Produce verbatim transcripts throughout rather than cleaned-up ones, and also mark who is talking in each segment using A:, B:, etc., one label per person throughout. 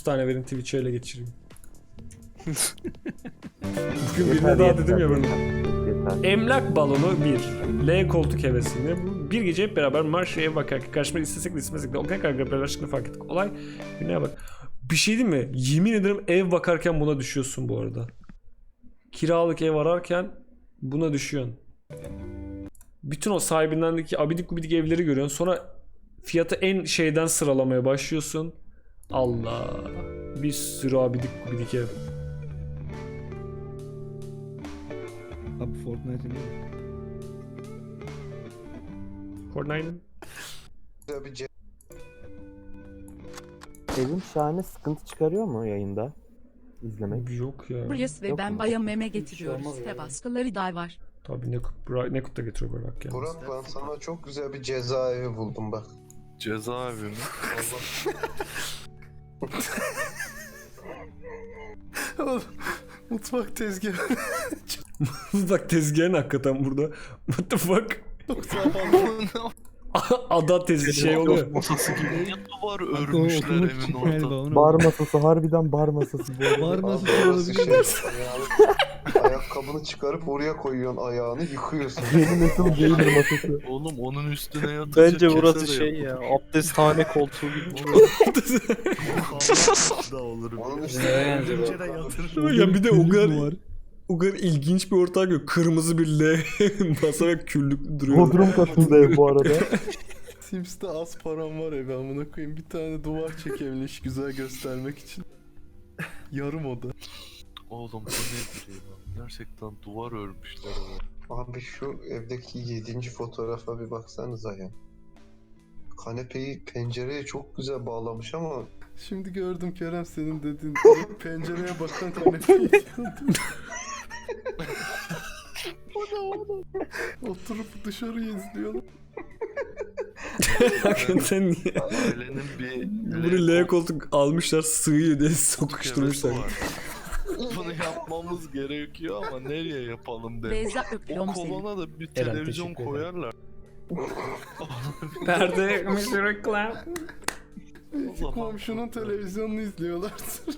A: tane verin Twitch'e ele geçireyim. Bugün birine daha dedim ya bunu. Emlak balonu bir. L koltuk hevesini. Bir gece hep beraber marşaya ev bakarken karşıma istesek de istemesek de o kadar kadar aşkını fark ettik. Olay güneye bak. Bir şey değil mi? Yemin ederim ev bakarken buna düşüyorsun bu arada. Kiralık ev ararken buna düşüyorsun. Bütün o sahibindendeki abidik gubidik evleri görüyorsun. Sonra fiyatı en şeyden sıralamaya başlıyorsun. Allah. Bir sürü abidik gubidik ev.
B: Abi Fortnite'ın değil mi?
A: Fortnite'ın.
C: Evim şahane sıkıntı çıkarıyor mu yayında? İzlemek.
A: Yok ya.
D: Burası ve
C: Yok
D: ben
C: mu?
D: baya meme getiriyoruz. Site baskıları da var.
A: Tabii Nekut, Bra- Nekut da getiriyor Burak ya.
E: Burak ben sana çok güzel bir cezaevi buldum bak.
F: Cezaevi mi? Oğlum, mutfak tezgahı.
A: Bak tezgahın hakikaten burada. What the fuck? Ada tezgahı şey oluyor.
F: Masası gibi niye duvar
B: Aklıma
F: örmüşler
B: oturmak
F: evin
B: için
F: ortasına?
B: galiba onu.
C: Bar masası harbiden bar masası bu arada.
B: Bar
E: Abi
B: masası
E: orası
B: olabilir.
E: şey, ayağını- ayakkabını çıkarıp oraya koyuyorsun ayağını yıkıyorsun.
C: Yeni nesil gamer masası.
F: Oğlum onun üstüne yatacak
G: Bence burası
F: kese de
G: şey
F: yapın.
G: ya, abdesthane koltuğu gibi.
F: da olur.
E: Onun
F: bir.
E: üstüne
F: Pencere yatırır.
A: Ya bir de o kadar,
B: Var.
A: o kadar ilginç bir ortam yok. Kırmızı bir L masa ve küllük duruyor.
C: Bodrum katında ev bu arada.
F: Sims'te az param var eve amına koyayım. Bir tane duvar çekebilmiş güzel göstermek için. Yarım oda. Oğlum bu nedir ya? Gerçekten duvar örmüşler ama.
E: Abi şu evdeki yedinci fotoğrafa bir baksanıza ya. Kanepeyi pencereye çok güzel bağlamış ama
F: Şimdi gördüm Kerem senin dediğin pencereye bakan kanepeyi. O ne oğlum? Oturup dışarı izliyorlar.
A: Hakikaten niye?
F: Ailenin bir
A: Bunu L koltuk almışlar sığıyor diye sokuşturmuşlar.
F: hevesi var. Bunu yapmamız gerekiyor ama nereye yapalım dedim.
D: Beyza
F: O
D: öpüyorum seni.
F: kolona da bir
A: Eren,
F: televizyon
A: teşekkür ederim.
F: koyarlar.
A: Perde yakmış reklam.
F: Belki komşunun televizyonunu izliyorlar.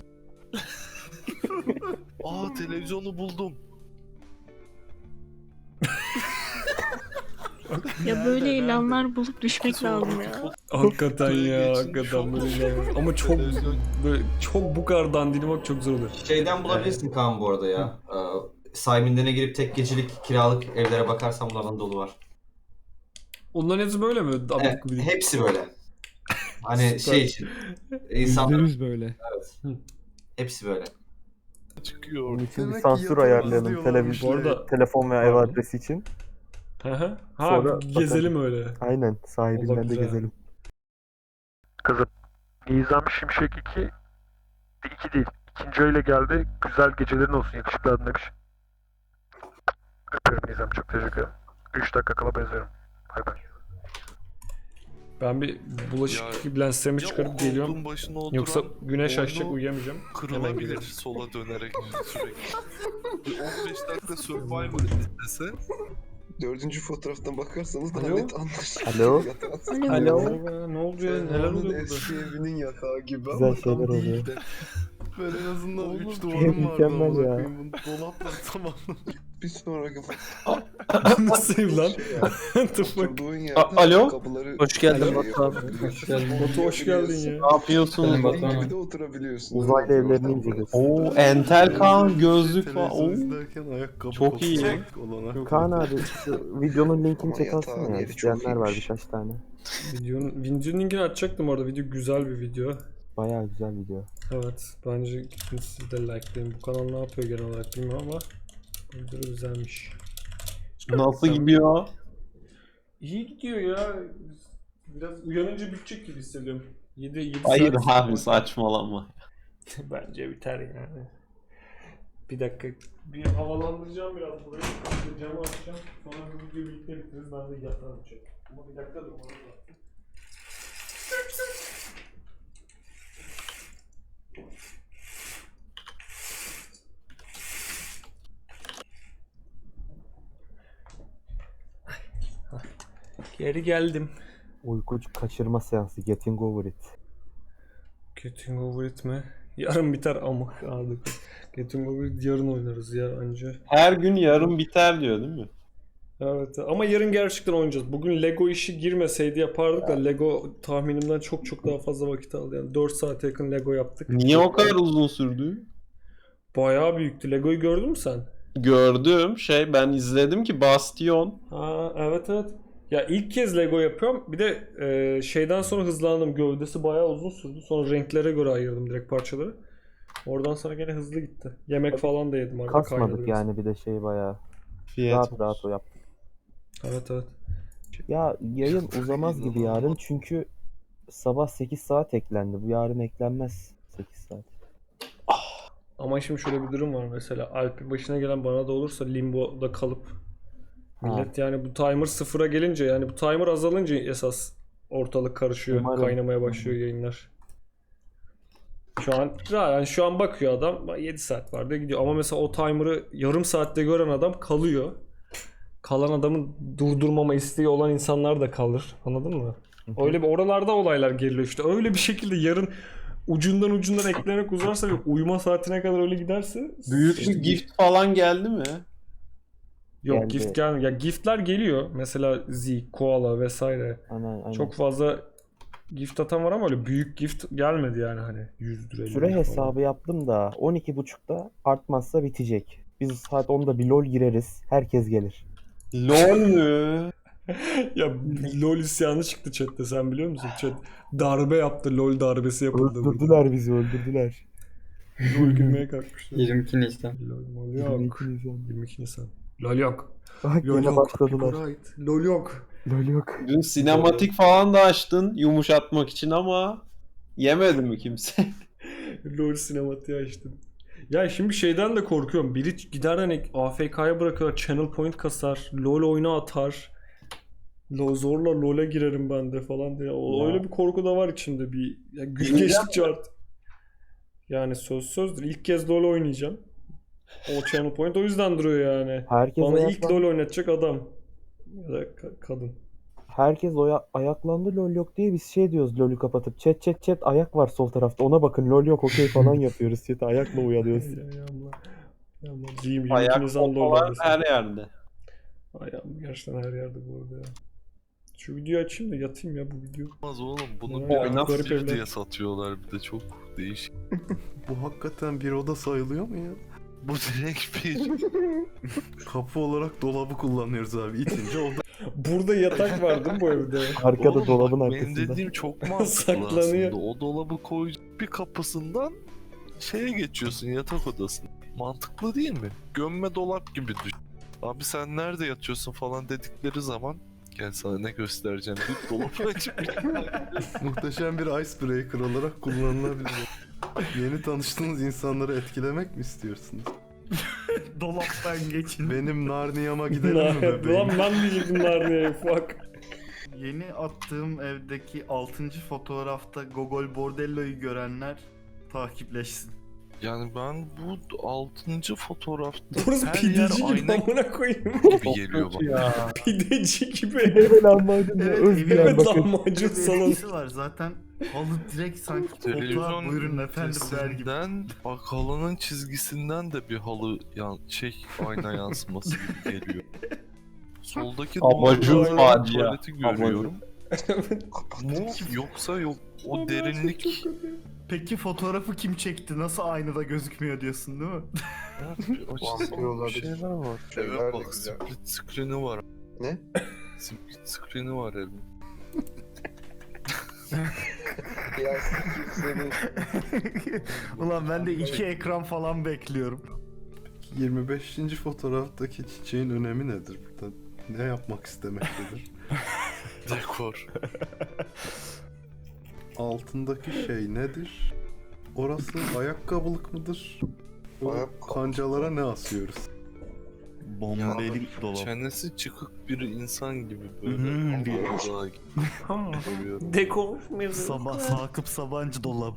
F: Aa televizyonu buldum.
H: Ya böyle ilanlar bulup düşmek lazım ya.
A: Hakikaten ya,
F: Geçin,
A: hakikaten
F: şok
A: böyle
F: olmuş.
A: ilan- Ama çok
F: Televizyon-
A: böyle çok bu kadar dandini bak çok zor oluyor.
I: Şeyden bulabilirsin Kaan bu arada ya. Ee, Sayminden'e girip tek gecelik kiralık evlere bakarsan bunlardan dolu var.
A: Onların hepsi böyle mi?
I: Evet,
A: Abidik gubidik.
I: hepsi böyle. Hani
A: Süper.
I: şey için.
B: Yüzde
I: İnsanlar
B: yüz böyle.
I: hepsi böyle.
F: Çıkıyor.
C: Bunun için bir
F: Demek ki
C: sansür
F: yatamaz
C: ayarlayalım
F: diyorlarmış.
C: televizyon,
A: Bu arada-
C: telefon veya ev
A: Pardon.
C: adresi için.
A: Hı hı. Ha
C: Sonra
A: gezelim öyle.
C: Aynen
A: O da
C: sahibinden de
A: güzel.
C: gezelim.
J: Kızım, Nizam Şimşek iki, iki değil. İkinci öyle geldi. Güzel gecelerin olsun yakışıklı adın demiş. Öpüyorum Nizam, çok teşekkür ederim. üç dakika kala benzerim. Bay bay.
A: Ben bir bulaşık
F: Ya-
A: lenslerimi
F: Ya o
A: çıkarıp geliyorum.
F: koltuğun başına oturan
A: Yoksa güneş
F: boynu
A: açacak uyuyamayacağım. Hemen
F: kırılabilir
A: gelirim.
F: sola dönerek sürekli. Bir on beş dakika Survivor izlese
E: dördüncü fotoğraftan bakarsanız daha
A: Alo?
E: net anlaşılır.
C: Alo?
E: Yatağı-
H: Alo.
A: Merhaba, ne oluyor? Neler
E: Ferhan'ın
A: oluyor burada?
E: eski evinin yatağı gibi
C: Güzel
E: ama
C: şeyler
E: tam
C: oluyor.
E: değil de.
F: ben en azından
E: Oğlum,
F: üç duvarım vardı
C: mükemmel
F: amına
C: ya.
F: koyayım. Bunu dolapla tamam.
E: Bir sonraki
A: Nasıl ev lan? What the fuck?
E: oturduğun yerde
G: A- Alo?
E: kapıları
G: Hoş geldin
E: şey
G: Batu abi.
E: yapabiliyorsun.
A: Batu hoş geldin ya.
G: Ne yapıyorsunuz
E: Senin
G: Batu abi?
E: gibi de oturabiliyorsun.
C: Uzaylı
E: Öyle bir
C: evlerini
E: ortam
C: inceliyoruz.
G: Oo, entel kan, gözlük falan.
F: Televizyon
G: Oo.
F: izlerken ayakkabı
G: Çok iyi.
F: kopacak olana.
C: Kaan abi şu videonun linkini
E: Ama
C: çekersin
E: yatağın
C: ya.
E: yeri çok
C: İsteyenler var
E: iyiymiş.
C: birkaç tane.
A: Videonun, videonun linkini açacaktım orada. Video güzel bir video.
C: Bayağı güzel video.
A: Evet. Bence gidin siz de likelayın. Bu kanal ne yapıyor genel olarak bilmiyorum ama bu video da güzelmiş.
G: Nasıl gidiyor?
A: İyi gidiyor ya. Biraz uyanınca bitecek gibi hissediyorum. yedi yedi
G: Hayır
A: saat.
G: abi saçmalama.
A: Bence biter yani. Bir dakika. Bir havalandıracağım biraz burayı. Bir camı açacağım. Sonra bu videoyu birlikte bitiririz. Ben de yatağa açacağım. Ama bir dakika dur. Ona da. Geri geldim.
C: Uykucu kaçırma seansı. Getting over it.
A: Getting Over It mi? Yarın biter ama artık. Getting Over It yarın oynarız ya anca.
G: Her gün yarın biter diyor değil mi?
A: Evet ama yarın gerçekten oynayacağız. Bugün Lego işi girmeseydi yapardık da Lego tahminimden çok çok daha fazla vakit aldı. Yani dört saate yakın Lego yaptık.
G: Niye o kadar uzun sürdü?
A: Bayağı büyüktü. Lego'yu gördün mü sen?
G: Gördüm şey ben izledim ki Bastion.
A: Ha evet evet. Ya ilk kez Lego yapıyorum. Bir de e, şeyden sonra hızlandım. Gövdesi bayağı uzun sürdü. Sonra renklere göre ayırdım direkt parçaları. Oradan sonra gene hızlı gitti. Yemek falan da yedim arada.
C: Kasmadık
A: kaynadı
C: yani bir de şey bayağı.
G: Fiyat
C: Rahat
G: olsun.
C: rahat o yaptık.
A: biraz. Evet evet.
C: Ya yayın uzamaz gibi yarın çünkü sabah sekiz saat eklendi. Bu yarın eklenmez sekiz saat.
A: Ama şimdi şöyle bir durum var mesela. Alp'in başına gelen bana da olursa Limbo'da kalıp millet yani bu timer sıfıra gelince yani bu timer azalınca esas ortalık karışıyor.
C: Umarım.
A: Kaynamaya başlıyor yayınlar. Şu an yani şu an bakıyor adam yedi saat var diye gidiyor. Ama mesela o timer'ı yarım saatte gören adam kalıyor. Kalan adamın durdurmama isteği olan insanlar da kalır. Anladın mı? Öyle bir oralarda olaylar geliyor işte. Öyle bir şekilde yarın ucundan ucundan eklenerek uzarsa ve uyuma saatine kadar öyle giderse
G: Büyük bir gift falan geldi mi?
A: yok
C: Geldi.
A: gift gelmiyor. Ya giftler geliyor. Mesela Z, Koala vesaire.
C: Aynen, aynen.
A: Çok fazla gift atan var ama öyle büyük gift gelmedi yani hani yüz lira.
C: Süre hesabı yaptım da on iki buçukta artmazsa bitecek. Biz saat onda bir LoL gireriz. Herkes gelir.
G: LOL mü?
A: Ya LoL isyanı çıktı chatte sen biliyor musun? Chat darbe yaptı. LoL darbesi yapıldı. burada.
C: Öldürdüler bizi öldürdüler.
A: LoL gülmeye kalkmışlar.
B: yirmi iki Nisan.
A: LoL mol yok. yirmi iki Nisan. LoL yok.
C: Bak
A: LoL
C: yine
A: yok.
C: başladılar.
A: Copyright. LoL yok.
C: LoL yok.
G: Dün sinematik falan da açtın yumuşatmak için ama yemedi mi kimse?
A: LoL sinematiği açtım. Ya şimdi şeyden de korkuyorum. Biri gider hani A F K'ya bırakır, channel point kasar, LoL oyuna atar. Lo zorla LoL'e girerim ben de falan diye. O,
C: Ya.
A: öyle bir korku da var içimde bir. Ya gün
G: Gireceğim
A: geçtikçe art. Yani söz sözdür. İlk kez LoL oynayacağım. O channel point o yüzden duruyor yani.
C: Herkes
A: Bana ilk
C: ayaklan-
A: LoL oynatacak adam. Ya da ka- kadın.
C: Herkes oya- ayaklandı LoL yok diye biz şey diyoruz LoL'ü kapatıp chat chat chat ayak var sol tarafta ona bakın LoL yok okey falan yapıyoruz chat'e ayakla uyanıyoruz.
A: Ya yağmla. Yağmla. Diyeyim
G: Ayak
A: yirmi iki Nisan LoL
G: falan
A: oynasın.
G: her yerde.
A: Ayağım gerçekten her yerde bu arada ya. Şu videoyu açayım da yatayım ya bu video.
F: Olmaz oğlum bunu
A: Ya,
F: bir
G: oyna.
A: garip
F: aktif
A: evler.
F: diye satıyorlar bir de çok değişik. Bu hakikaten bir oda sayılıyor mu ya? Bu direkt bir kapı olarak dolabı kullanıyoruz abi. İtince oda.
A: Burada yatak var değil mi bu evde?
C: Arkada
F: Oğlum
C: dolabın
F: bak, benim
C: arkasında.
F: dediğim çok mantıklı
A: Saklanıyor.
F: aslında. O dolabı koy bir kapısından şeye geçiyorsun yatak odasına. Mantıklı değil mi? Gömme dolap gibi düşün. Abi sen nerede yatıyorsun falan dedikleri zaman gel sana ne göstereceğim deyip dolabı açıp muhteşem bir icebreaker olarak kullanılabilir. Yeni tanıştığınız insanları etkilemek mi istiyorsunuz?
B: Dolaptan geçin.
F: Benim Narnia'ma gidelim mi
A: Lan
F: bebeğim?
A: ben diyecektim Narnia'ya fuck.
B: Yeni attığım evdeki altıncı fotoğrafta Gogol Bordello'yu görenler takipleşsin.
F: Yani ben bu altıncı fotoğrafta
A: Burası
F: her yer
A: pideci gibi
F: ayna
A: amına koyayım.
F: gibi geliyor bana.
G: Ya.
A: Pideci gibi.
C: Evet lahmacun ya
B: Evet,
C: Özbiyan
A: Evet
C: bakın.
A: lahmacun salonu.
B: Etkisi var zaten. Halı direkt sanki koltuğa
F: Televizyon
B: buyurun efendim der gibi.
F: ünitesinden, bak halının çizgisinden de bir halı yan, şey ayna yansıması gibi geliyor. Soldaki
G: Abajur
F: duvarda
G: facia.
F: tuvaleti görüyorum. Mu yoksa yok o derinlik.
B: Peki fotoğrafı kim çekti? Nasıl aynada gözükmüyor diyorsun değil mi?
E: Vampir
F: Bir şeyler var.
E: Şeyler de
F: Evet bak
E: güzel.
F: split screen'i var.
E: Ne?
F: Split screen'i var evde.
E: Ya seni
B: Ulan ben de iki ekran falan bekliyorum.
F: yirmi beşinci fotoğraftaki çiçeğin önemi nedir burada? Ne yapmak istemektedir? Dekor. Altındaki şey nedir? Orası ayakkabılık mıdır? O
E: Ayakkabı.
F: kancalara ne asıyoruz?
B: Bombeli dolap.
F: Çenesi çıkık bir insan gibi böyle.
B: Hmm, diye.
F: Allah görüyorum.
A: Dekor.
B: Sabah Sakıp Sabancı dolabı.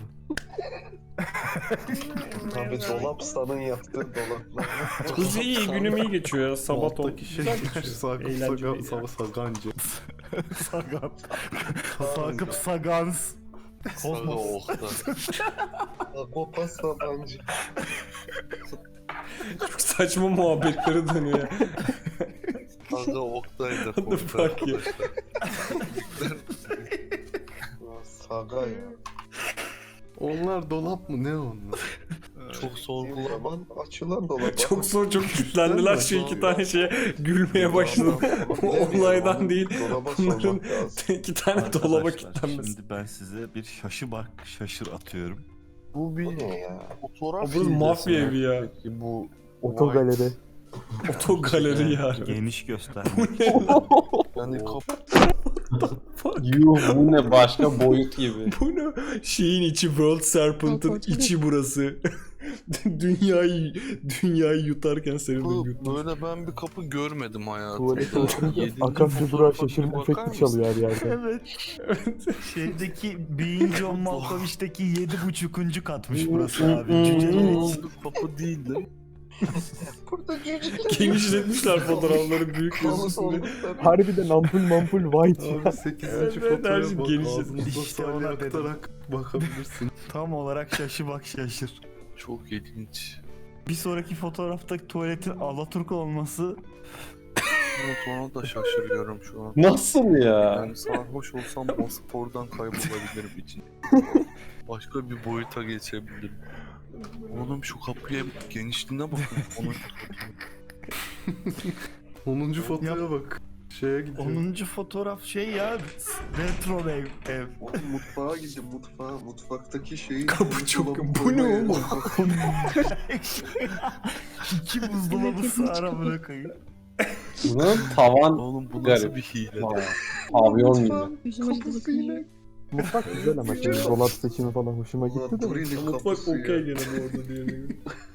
E: Tabii dolap sanın yaptığı dolaplar.
A: Kız iyi günüm iyi geçiyor ya. Sabah
F: Alttaki şey Sakıp
A: Eğlenceli
F: Saga, Sagancı.
B: Sagan. Sakıp Sagans.
F: Saga Oktay.
E: Agopa Sabancı.
A: Çok saçma muhabbetleri dönüyor.
F: Saga Oktay da
A: What the fuck ya?
E: Saga ya.
F: Onlar dolap mı ne onlar? Çok sorgulama.
E: Zaman açılan dolap.
A: Çok zor, çok kilitlendiler şu iki tane şeye gülmeye başladım. O olaydan değil.
E: Dolaba
A: Bunların
E: sormak lazım.
A: iki tane dolaba
K: Arkadaşlar,
A: kilitlenmesi.
K: şimdi ben size bir şaşı bak şaşır atıyorum.
F: Bu
E: Bu
F: bir
E: ne ya?
F: fotoğraf
A: O burası
F: hilesi
A: mafya
F: mi?
A: evi ya.
F: Peki bu
C: Otogaleri.
A: Oto galeri ya.
K: Geniş göstermek.
F: yani kapı
G: Yuh bu ne başka boyut gibi.
A: Bu ne? Şeyin içi, World Serpent'ın içi burası. dünyayı dünyayı yutarken senin de yutmuş.
F: böyle ben bir kapı görmedim hayatımda.
C: Tuvalete oturunca
F: Yedinci
C: Akasya Durağı
F: fotoğrafa bir
C: şaşırma
F: bakar
C: efekti
F: mısın?
C: çalıyor her yerde.
K: Evet. Şeydeki Being John Malkovich'teki yedi buçukuncu katmış burası abi. Cücelik.
F: Bu kapı değildi.
E: Burada cücük.
A: Genişletmişler fotoğrafları büyük gözüksün.
C: Harbiden ampul mampul white ya.
F: Abi sekizinci
A: Evet, evet, her
F: fotoğrafa
A: şey
F: bak.
A: genişledi.
F: Ağzınızda
K: İşte
F: salya
K: ona dedim.
F: aktarak bakabilirsin.
K: Tam olarak şaşı bak şaşır.
F: Çok ilginç.
K: Bir sonraki fotoğraftaki tuvaletin Alaturka olması
F: Evet, ona da şaşırıyorum şu an.
G: Nasıl ya?
F: Yani sarhoş olsam o spordan kaybolabilirim için. Başka bir boyuta geçebilirim. Oğlum şu kapıya genişliğine bakın. onuncu fotoya bak. Şeye gidiyor.
K: onuncu fotoğraf şey ya retro ev. ev.
E: Oğlum mutfağa gidin mutfağa. Mutfaktaki şeyi...
A: Kapı çok...
E: dolabı
A: Bu ne
E: koymaya-
A: oğlum?
K: İki buzdolabı sığar amına koyayım.
G: Bunun tavan
F: Oğlum bu
G: Garip.
F: nasıl bir hile?
G: Aa, pavyon gibi.
H: Yüzüme
E: Kapısı yine.
C: Mutfak güzel ama şimdi dolap seçimi falan hoşuma gitti
E: Ulan
C: de.
E: Turin'in
A: Mutfak
E: kapısı
A: okey
E: ya.
A: gene bu arada diyelim.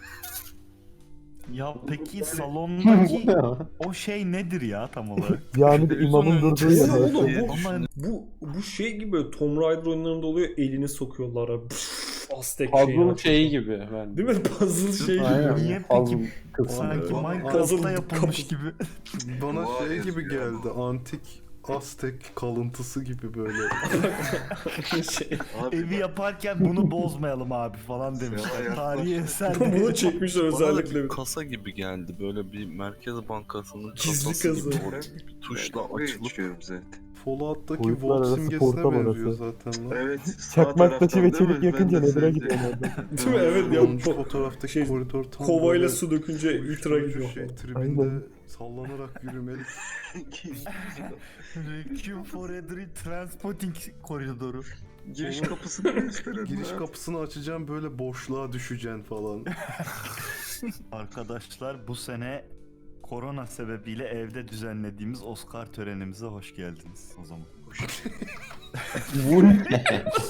K: Ya peki salondaki o şey nedir ya tam olarak?
C: Yani de imamın durduğu yer.
A: Oğlum
C: orası.
A: bu,
K: Ama
A: bu, bu şey gibi böyle Tomb Raider oyunlarında oluyor, elini sokuyorlar abi. Pff, Aztek şeyi.
G: Puzzle şeyi gibi. Ben.
A: Değil mi? Puzzle şey gibi.
C: Aynen.
K: niye
G: Puzzle
K: peki
G: kısmı.
K: sanki
F: Evet.
K: Minecraft'ta
A: Puzzle
K: yapılmış
A: kapı.
K: gibi.
F: Bana
E: Vay
F: şey
E: yazıyor
F: gibi geldi. Antik Aztek kalıntısı gibi böyle.
A: şey.
K: Evi yaparken bunu bozmayalım abi falan demişler. Tarihi eser.
A: Bunu çekmişler
F: Bana da
A: özellikle.
F: bir kasa gibi geldi. Böyle bir Merkez Bankası'nın
A: Gizli
F: kasası
A: kasa.
F: gibi. Orada bir tuşla açılıp
E: zaten.
F: Fallout'taki
C: Boyutlar
F: Volt
C: arası
F: simgesine
C: portal
F: benziyor
C: orası.
F: zaten lan.
E: Evet.
C: Çakmak taşı ve çelik yakınca Nether'a gidiyor nereden?
A: Değil mi? Evet ya.
F: Onuncu
A: po-
F: fotoğraftaki
A: şey,
F: koridor tam
A: kovayla
F: böyle
A: su dökünce ultra gidiyor.
F: şey,
A: falan.
F: tribinde
C: Aynen.
F: sallanarak yürümelik.
K: Requiem for a Dream Transporting koridoru.
E: Giriş kapısını gösterelim.
F: Giriş kapısını açacağım böyle boşluğa düşeceksin falan.
K: Arkadaşlar bu sene korona sebebiyle evde düzenlediğimiz Oscar törenimize hoş geldiniz o zaman.
G: Bu ne?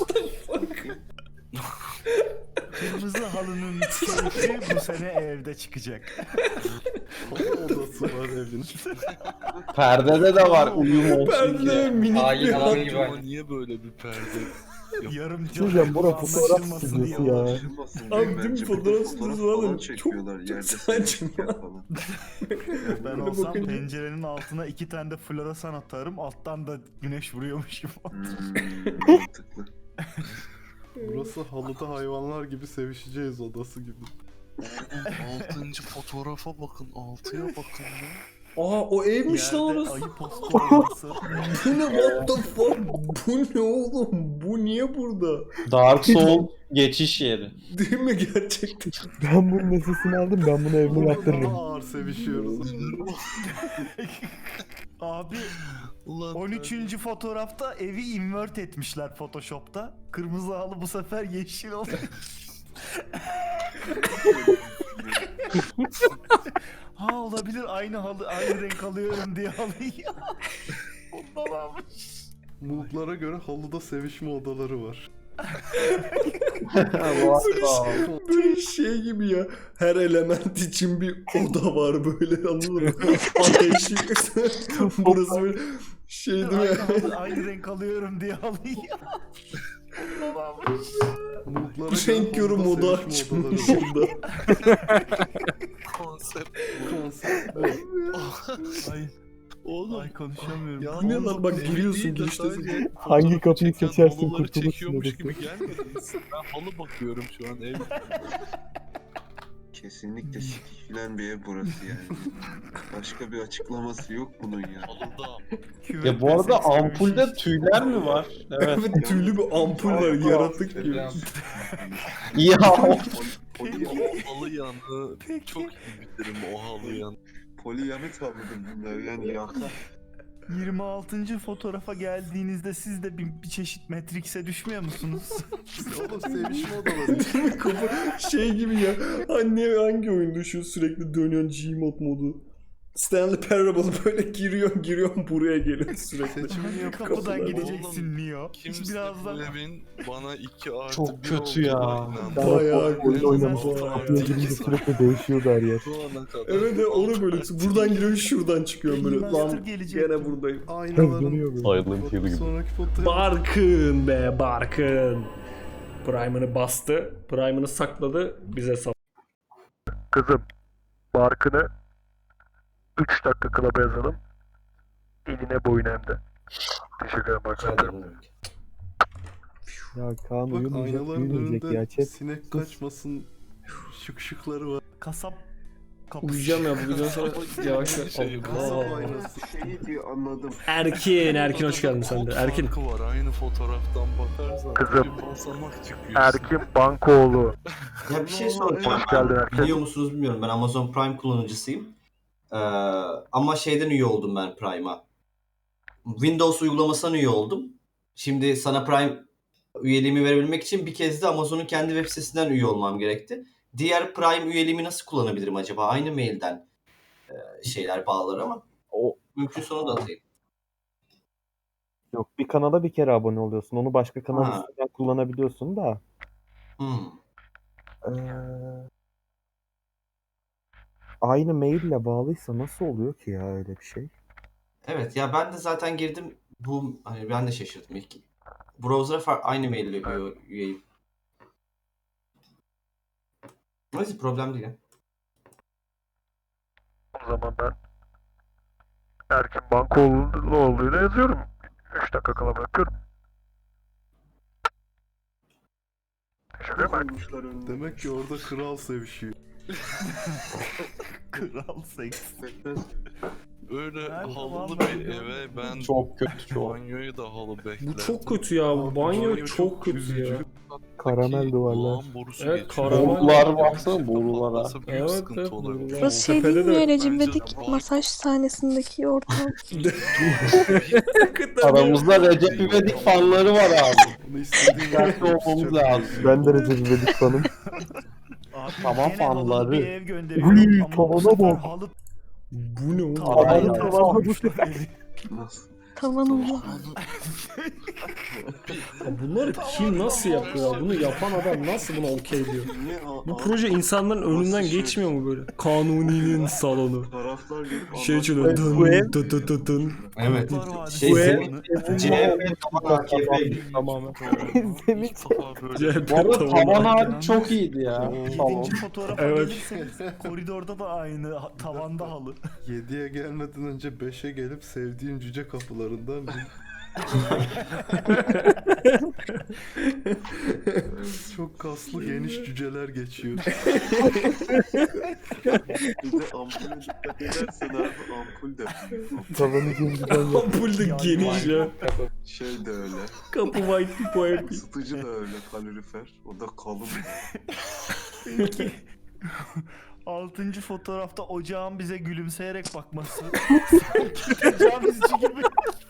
K: Kırmızı halının keyfi bu sene evde çıkacak.
F: Foto odası var evin.
G: Perdede de var uyum olsun
A: Perde
G: diye.
A: minik
I: Hain
A: bir
I: adam
A: adam.
I: gibi.
F: Ama niye böyle bir perde?
K: Yarım
C: Hocam bura fotoğraf
K: anlaşılmasın diye
C: stüdyosu ya.
A: Abi değil mi? Fotoğraf stüdyosu var da çok-
E: çekiyorlar
A: çok
E: yerde
A: saçma.
E: selfie falan.
K: Ben
A: Böyle
K: olsam
A: bakınca-
K: pencerenin altına iki tane de floresan atarım. Alttan da güneş vuruyormuş gibi.
E: Hmm, mantıklı.
F: Burası halıda hayvanlar gibi sevişeceğiz odası gibi.
L: Altıncı fotoğrafa bakın. Altıya bakın ya.
A: Aa o evmiş lan
K: Yerde
A: orası.
K: ayı postu olması.
A: Bu ne, what the fuck? Bu ne oğlum? Bu niye burada?
G: Dark Soul geçiş yeri.
A: Değil mi gerçekten?
C: Ben bunun nesesini aldım, ben bunu evime yaptırırım.
F: Daha ağır sevişiyoruz.
K: Abi
L: Ulan
K: on üçüncü fotoğrafta evi invert etmişler Photoshop'ta. Kırmızı halı bu sefer yeşil oldu. Ha olabilir aynı halı aynı renk alıyorum diye halıyı. Ondan almış.
F: Multlara göre halıda sevişme odaları var.
A: Böyle şey gibi ya. Her element için bir oda var böyle, anladın mı? Ateşli. Burası böyle şey değil mi?
K: Aynı, halı, aynı renk alıyorum diye halıyı. Ondan almış.
F: Multlara
A: Renk
F: göre
A: yorum
F: halıda
A: modu
F: sevişme
A: açmış
F: odaları var.
A: burada.
L: konsept.
F: Konsept bu.
K: Ay.
F: Oğlum.
K: Ay konuşamıyorum.
F: Ya
A: Bu ne lan?
F: oğlum,
A: Bak
F: evi
A: giriyorsun,
F: değil de
A: giriştesin.
F: sadece
C: Hangi
F: fotoğrafı
C: kapıyı
F: çeken
C: seçersin,
F: halıları
C: kurtulursun
F: çekiyormuş
C: orası.
F: gibi gelmediniz. Ben halı bakıyorum şu an ev.
E: Kesinlikle sikik filan bir ev burası yani. Başka bir açıklaması yok bunun ya.
L: Halıda.
G: Ya bu arada ampulde tüyler mi var? Evet.
A: Evet, tüylü bir ampul var, yaratık gibi.
G: Ya
F: O halı yanı çok iyi bitirim o halı yanı.
E: Poliyamet avladım bunları yani yakar.
K: yirmi altıncı fotoğrafa geldiğinizde siz de bir, bir çeşit Matrix'e düşmüyor musunuz?
F: Oğlum sevişme odaları.
A: Kafa şey gibi ya. Anne hangi oyunda şu sürekli dönüyorsun Gmod modu? Stanley Parable böyle giriyor giriyor buraya geliyor sürekli.
K: Kapıdan
A: Kapılar-
K: gideceksin Neo.
L: Kimse
K: Birazdan
L: bu evin bana iki artı
G: Çok
L: bir
G: kötü ya.
L: olduğuna inandı.
C: Ben
A: Bayağı
C: oyun
A: kötü,
C: oynamıştım.
A: bayağı.
C: Kapıya girince sürekli değişiyordu her yer.
F: Şu ana kadar.
A: Evet evet, onu böyle buradan giriyor şuradan çıkıyor böyle.
K: Master
A: Lan
K: gelecek.
A: gene buradayım.
F: Aynaların
C: Dönüyor böyle.
B: Silent Hill gibi.
F: sonraki fotoğraf.
A: Barkın be Barkın. Prime'ını bastı. Prime'ını sakladı. Bize sal.
J: Kızım, Barkın'ı üç dakika klaba yazalım. Eline boyun hem de. Teşekkür ederim
I: Rica
J: Barkın.
I: ederim.
C: Ya Kaan
F: Bak
C: uyumayacak,
F: aynaların
C: uyumayacak ya
F: önünde
C: chat.
F: sinek kaçmasın şık şıkları var.
K: Kasap kapısı.
A: Uyuyacağım ya bu videodan sonra yavaş yavaş.
F: Şey, kasap
A: Allah.
F: aynası.
E: Şeyi diye anladım.
A: Erkin, Erkin hoş geldin sen de.
L: Kod
A: Erkin.
L: farkı var aynı fotoğraftan bakarsan.
J: Kızım.
L: Bir basamak çıkıyor.
J: Erkin Bankoğlu.
I: Ya bir şey soracağım.
J: Hoş geldin
I: Ben-
J: Erkin.
I: Biliyor musunuz bilmiyorum. Ben Amazon Prime kullanıcısıyım. Ee, ama şeyden üye oldum ben Prime'a. Windows uygulamasından üye oldum. Şimdi sana Prime üyeliğimi verebilmek için bir kez de Amazon'un kendi web sitesinden üye olmam gerekti. Diğer Prime üyeliğimi nasıl kullanabilirim acaba? Aynı mailden e, şeyler bağlar ama
C: O
I: mümkün sonu da atayım.
C: yok, bir kanala bir kere abone oluyorsun. Onu başka kanal
I: Ha.
C: üstünden kullanabiliyorsun da.
I: Hmm.
C: Ee, aynı maille bağlıysa nasıl oluyor ki ya öyle bir şey?
I: Evet ya ben de zaten girdim. Bu hani ben de şaşırdım ilk. Browser'a far- aynı maille üye- üyeyim. Neyse problem değil ya.
J: O zaman ben Erkin Bankoğlu'yla yazıyorum. üç dakika kala bırakıyorum. Teşekkür ederim Erkin.
F: Demek ki orada kral sevişiyor.
K: Kral seks.
L: Öyle
K: Nerede
L: halılı
K: vallahi
L: bir
K: görmedim.
L: eve ben
G: çok kötü çok.
L: banyoyu da halı beklerdim.
A: Bu çok kötü ya. Bu banyo çok kötü ya.
C: Karamel duvarlar.
L: Lağım borusu
A: Evet,
L: geçiyor.
A: karamel.
G: Borular baksana, borulara.
L: Patlasa büyük
A: Evet,
L: sıkıntı
A: evet,
L: olabilir.
A: borular.
H: Burası şey
A: Tepede
H: değil mi
A: de-
H: ya Recep
L: Bence
H: İvedik
L: de-
H: masaj sahnesindeki ortam?
G: Aramızda Recep İvedik fanları var abi.
F: Bunu istediğin
G: Dikkatli olmamız lazım.
C: Ben de Recep İvedik fanım.
K: Abi
G: Tamam,
K: gene halılı
G: fanları.
K: bir ev gönderiyorum
C: Uy,
K: ama bu
C: tavana
K: sefer
C: bak.
K: halı
A: Bu ne oğlum?
K: tavana
C: Aynen.
K: ters
C: Tavana
K: koymuşlar
C: bak.
K: evi.
E: Nasıl?
H: Tavanımda.
A: Ya bunları kim nasıl yapıyor ya? Bunu yapan adam nasıl buna okey diyor?
E: Ne a-
A: Bu
E: a-
A: proje insanların önünden
E: şey?
A: geçmiyor mu böyle? Kanuni'nin salonu.
E: Taraflar gelip
A: Şey çalıyor.
G: Bu ev-
A: Dın dın dın dın dın.
I: Evet.
K: Kurtlar Vadisi
I: Şey,
A: Bu ev-
K: salonu.
I: C H P taban A K P.
A: Tamamen.
C: Zemin
L: İlk defa böyle
A: C H P
G: Bu arada
A: tavanı.
G: tavan hali çok iyiydi ya. Salon.
K: Yedinci fotoğrafa
A: Evet.
K: gelirseniz koridorda da aynı ha- tavanda halı.
F: yediye gelmeden önce beşe gelip sevdiğim cüce kapılarından bir... Çok kaslı geniş cüceler geçiyor.
E: bir de ampule dikkat edersen abi ampul de büyük.
C: Tavanı cimciden yap.
A: Ampul de geniş ya.
E: Şey de öyle.
A: Kapı white pipo yapıyor.
E: Isıtıcı da öyle kalorifer. O da kalın.
K: Peki. Altıncı fotoğrafta ocağın bize gülümseyerek bakması. Sanki tecavüzcü gibi.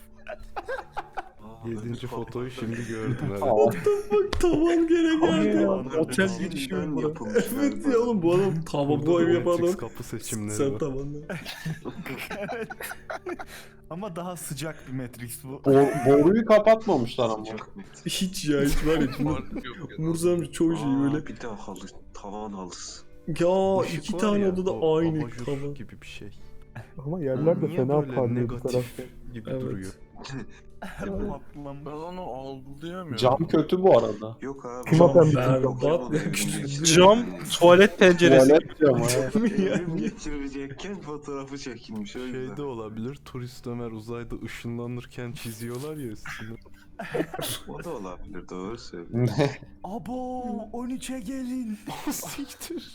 E: Aa,
F: Yedinci
E: kapı-
F: fotoyu şimdi gördüm evet.
G: Aa,
A: Bak tavan gene geldi.
E: Tavanlar
A: Otel
E: da
A: girişi
E: çin'den
A: mi bu?
E: yapılmış
A: Evet
E: galiba.
A: ya oğlum bu adam tavan
F: Burada
A: bu
F: da
A: evi yapan
F: Matrix
A: adam.
F: kapı seçimleri
A: Sen
F: var.
A: tavanla.
K: Evet. Ama daha sıcak bir Matrix bu.
G: Bor- boruyu kapatmamışlar ama.
E: Sıcak mı?
A: Hiç ya hiç var ya.
L: fark yok. yani.
A: Umursamış çoğu şey
E: Aa,
A: böyle.
E: Bir de halı. Tavan halısı.
A: Ya
F: Işık
A: iki
F: var
A: tane
F: ya,
A: odada
F: o
A: aynı
F: abajur
A: tavan.
F: gibi bir şey.
C: Ama yerler de
F: Niye
C: fena
F: böyle
C: parlıyor bu
F: negatif
C: tarafta.
F: gibi
A: Evet.
F: duruyor? Ben onu algılayamıyorum.
G: Cam kötü bu arada.
E: Yok abi.
C: Kim
E: çok
C: atan
E: şey
C: bir
A: berbat
E: yok.
A: ya, küçük.
M: Cam tuvalet penceresi.
G: Tuvalet camı ha.
E: Evrim geçirecekken fotoğrafı çekilmiş o yüzden.
F: Şey de olabilir. Turist Ömer uzayda ışınlanırken çiziyorlar ya üstüne.
E: O da olabilir, doğru söylüyorsun.
G: Ne?
K: Abo on üçe gelin.
F: Siktir.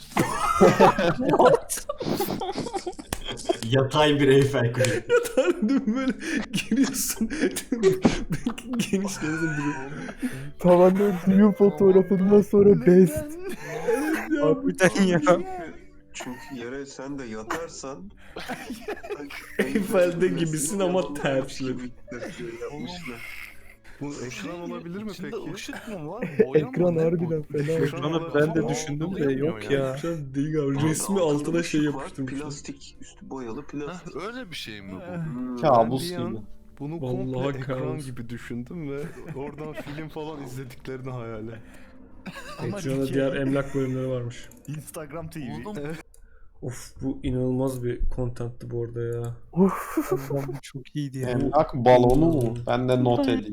I: Yatay bir Eyfel Kulesi.
A: Tanrım böyle giriyorsun. Genişliyorsun duruyor.
C: Tavanda düğün fotoğrafından sonra best.
M: Harbiden ya.
E: Çünkü yere sen de yatarsan
A: Eyfel'de gibisin ama ters.
E: gibi yapmışlar.
F: Bu ekran olabilir mi
L: İçinde
F: peki?
L: ışık mı var? Boya mı?
C: Ekran
L: Ne bu?
C: harbiden fena.
M: Ekranı ben de düşündüm de yok ya.
A: Şu an değil abi. Resmi
E: Altında
A: altına şey
E: ışık var,
A: yapıştırmışlar.
E: Plastik, üstü boyalı
L: Heh,
E: plastik.
L: öyle bir şey mi bu?
E: Hmm.
G: Kabus
F: Ben bir an
G: gibi.
F: Bunu
A: Vallahi
F: komple ekran
A: kaos.
F: gibi düşündüm ve oradan film falan izlediklerini hayal et.
K: Ama
A: Ekran'da
K: dikey.
A: diğer emlak bölümleri varmış.
K: Instagram T V.
L: Oğlum
A: Of bu inanılmaz bir contentti bu arada ya.
M: Allah'ım bu çok iyiydi ya.
G: Emlak balonu mu? Ben de not edeyim.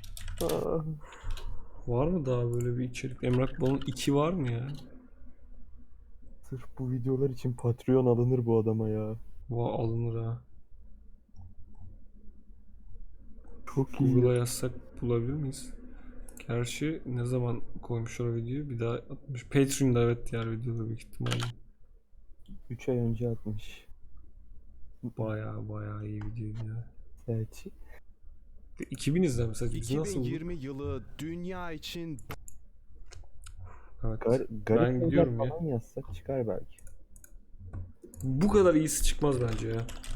A: Var mı daha böyle bir içerik? Emlak Balon iki var mı ya?
C: Sırf bu videolar için Patreon alınır bu adama ya.
A: Va alınır ha.
C: Çok iyi.
A: Google'a yazsak bulabilir miyiz? Gerçi ne zaman koymuşlar o videoyu? Bir daha atmış. Patreon'da evet diğer videoda büyük ihtimalle.
C: üç ay önce atmış.
A: Baya baya iyi videoydu ya.
C: Evet.
A: iki bin izlenmiş sadece. Biz nasıl bulduk?
B: yılı dünya için
A: Evet.
C: Gar
A: Ben
C: garip şeyler
A: gidiyorum ya.
C: falan yazsak çıkar belki.
A: Bu kadar iyisi çıkmaz bence ya.